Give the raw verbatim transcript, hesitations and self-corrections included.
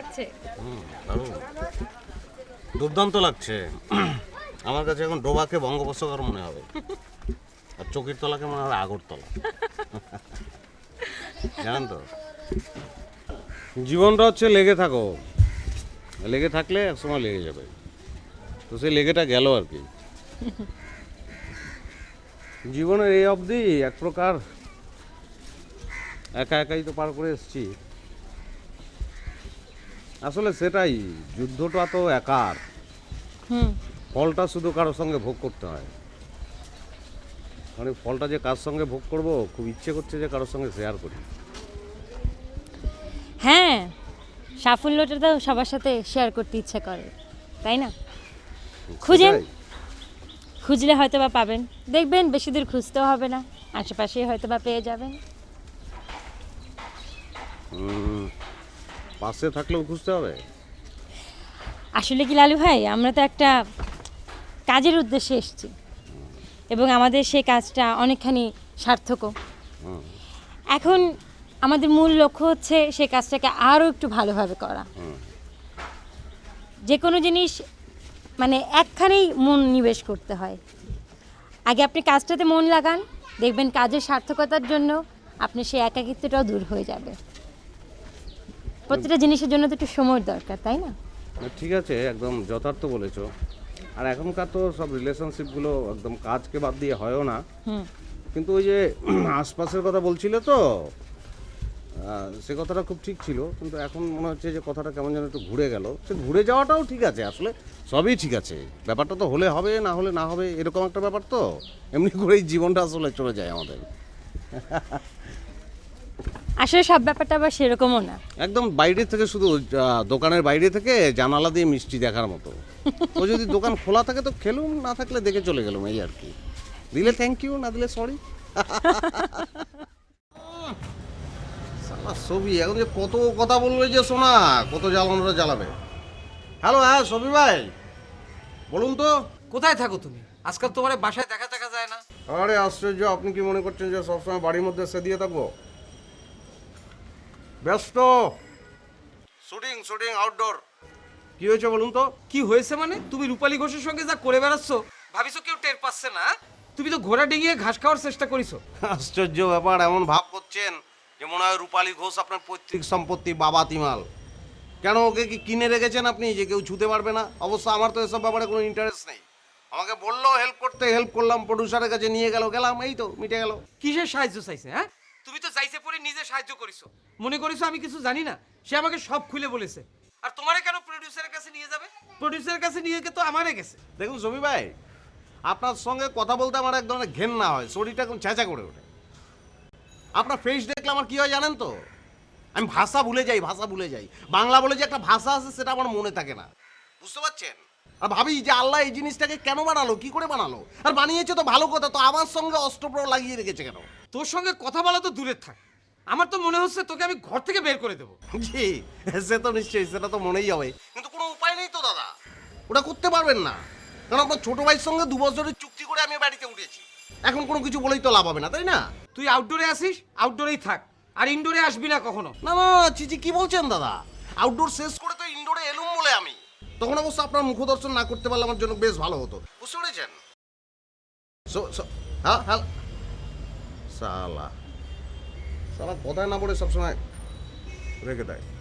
লাগছে? দুর্দান্ত লাগছে। আমার কাছে এখন ডোবাকে বঙ্গোপসাগর মনে হবে, আর চকির তলাকে মনে হবে আগরতলা। জানেন তো, জীবনটা হচ্ছে লেগে থাকো, লেগে থাকলে একসময় লেগে যাবে। তো সেই লেগেটা গেল আর কি। জীবনের এই অবধি এক প্রকার একা একাই তো পার করে এসেছি। আসলে সেটাই, যুদ্ধটা তো একার, হুম, ফলটা শুধু কারোর সঙ্গে ভোগ করতে হয়। মানে ফলটা যে কার সঙ্গে ভোগ করব, খুব ইচ্ছে করছে যে কারোর সঙ্গে শেয়ার করি। হ্যাঁ, সাফল্যটা তো সবার সাথে শেয়ার করতে ইচ্ছে করে, তাই না? খুঁজেন, সেটাই। খুঁজলে হয়তো বা পাবেন। দেখবেন বেশি দূর খুঁজতেও হবে না, আশেপাশেই হয়তো বা পেয়ে যাবেন। হুম, পাশে থাকলেও খুঁজতে হবে। আসলে কি লালু ভাই, আমরা তো একটা কাজের উদ্দেশ্যে এসেছি এবং আমাদের সেই কাজটা অনেকখানি সার্থকও। হুম, এখন আমাদের মূল লক্ষ্য হচ্ছে সেই কাজটাকে আরও একটু ভালোভাবে করা। হুম। যে কোনো জিনিস মানে একখানেই মন নিবেশ করতে হয়। আগে আপনি কাজটাতে মন লাগান, দেখবেন কাজের সার্থকতার জন্য আপনার সেই একাকিত্বটাও দূর হয়ে যাবে। প্রতিটা জিনিসের জন্য তো একটু সময় দরকার, তাই না? না, ঠিক আছে, একদম যথার্থ বলেছো। আর এখনকার তো সব রিলেশনশিপগুলো একদম কাজকে বাদ দিয়ে হয়ও না। হুম। কিন্তু ওই যে আশপাশের কথা বলছিলে তো, আহ, সে কথাটা খুব ঠিক ছিল, কিন্তু এখন মনে হচ্ছে যে কথাটা কেমন যেন একটু ঘুরে গেল। সে ঘুরে যাওয়াটাও ঠিক আছে, আসলে সবই ঠিক আছে। ব্যাপারটা তো হলে হবে, না হলে না হবে, এরকম একটা ব্যাপার তো। এমনি করেই জীবনটা আসলে চলে যায় আমাদের। আসলে সব ব্যাপারটা আবার সেরকমও না। একদম বাইরে থেকে, শুধু আহ, দোকানের বাইরে থেকে জানালা দিয়ে মিষ্টি দেখার মতো। ও যদি দোকান খোলা থাকে তো খেলুম, না থাকলে দেখে চলে গেলাম, এই আর কি। দিলে থ্যাংক ইউ, না দিলে সরি। সালা ছবি এখন যে কত কথা বলবে যে শোনা, কত জ্বালানোটা জ্বালাবে। হ্যালো, হ্যাঁ ছবি ভাই, বলুন তো। কোথায় থাকো তুমি? আজকাল তোমার বাসায় দেখা দেখা যায় না। আরে আশ্চর্য, আপনি কি মনে করছেন যে সবসময় বাড়ির মধ্যে সে দিয়ে থাকবো? ব্যস্ত, শুটিং শুটিং আউটডোর। কি হয়েছে বলুন তো? কি হয়েছে মানে? তুমি রূপালী ঘোষের সঙ্গে যা করে বেড়াচ্ছ, ভাবিছো কেউ টের পাচ্ছে না? তুমি তো ঘোড়া ডিঙিয়ে ঘাস খাওয়ার চেষ্টা করিছো। আশ্চর্য ব্যাপার, এমন ভাব করছেন যে মনে হয় রূপালী ঘোষ আপনার পৈতৃক সম্পত্তি, বাবা তিমাল। কেন, ওকে কি কিনে রেখেছেন আপনি যে কেউ ছুতে পারবে না? অবশ্য আমার তো এসব ব্যাপারে কোনো ইন্টারেস্ট নেই। আমাকে বললো হেল্প করতে, হেল্প করলাম, প্রডিউসারের কাছে নিয়ে গেল, গেলাম, এই তো মিটে গেল। কিসের সাহায্য চাইছে? হ্যাঁ, তুমি তো চাইছে পরে নিজে সাহায্য করিছো। মনে করিছো আমি কিছু জানি না? সে আমাকে সব খুলে বলেছে। আর তোমারে কেন প্রডিউসারের কাছে নিয়ে যাবে? প্রডিউসারের কাছে নিয়ে গিয়ে তো আমারে গেছে। দেখুন ছবি ভাই, আপনার সঙ্গে কথা বলতে আমার এক ধরনের ঘেন্না হয়, শরীরটা এখন চেঁচা করে ওঠে। আপনার ফেস দেখলে আমার কি হয় জানেন তো? আমি ভাষা ভুলে যাই, ভাষা ভুলে যাই। বাংলা বলে যে একটা ভাষা আছে সেটা আমার মনে থাকে না, বুঝতে পারছেন? আর ভাবি যে আল্লাহ এই জিনিসটাকে কেন বানালো, কি করে বানালো? আর বানিয়েছে তো ভালো কথা, তো আমার সঙ্গে অস্ত্রপ্রহ লাগিয়ে রেখেছে কেন? তোর সঙ্গে কথা বলা তো দূরের থাক, আমার তো মনে হচ্ছে তোকে আমি ঘর থেকে বের করে দেবো। জি, সে তো নিশ্চয়ই, সেটা তো মনেই হবে, কিন্তু কোনো উপায় নেই তো দাদা, ওটা করতে পারবেন না। কারণ আপনার ছোট ভাইয়ের সঙ্গে দু বছরের চুক্তি করে আমি বাড়িতে উঠেছি, এখন কোনো কিছু বলেই তো লাভ হবে না, তাই না? তুই আউটডোরে আসিস, আউটডোরেই থাক, আর ইনডোরে আসবি না কখনো। না না, চিচি কি বলছেন দাদা? আউটডোর শেষ করে তো ইনডোরে এলুম বলে আমি। তখন অবশ্য আপনার মুখদর্শন না করতে পারলে আমার জন্য বেশ ভালো হতো, বুঝতে পেরেছেন? সো- সো- হ্যাঁ হ্যাঁ, সালা সালা কথায় না বলে সবসময় রেখে দেয়।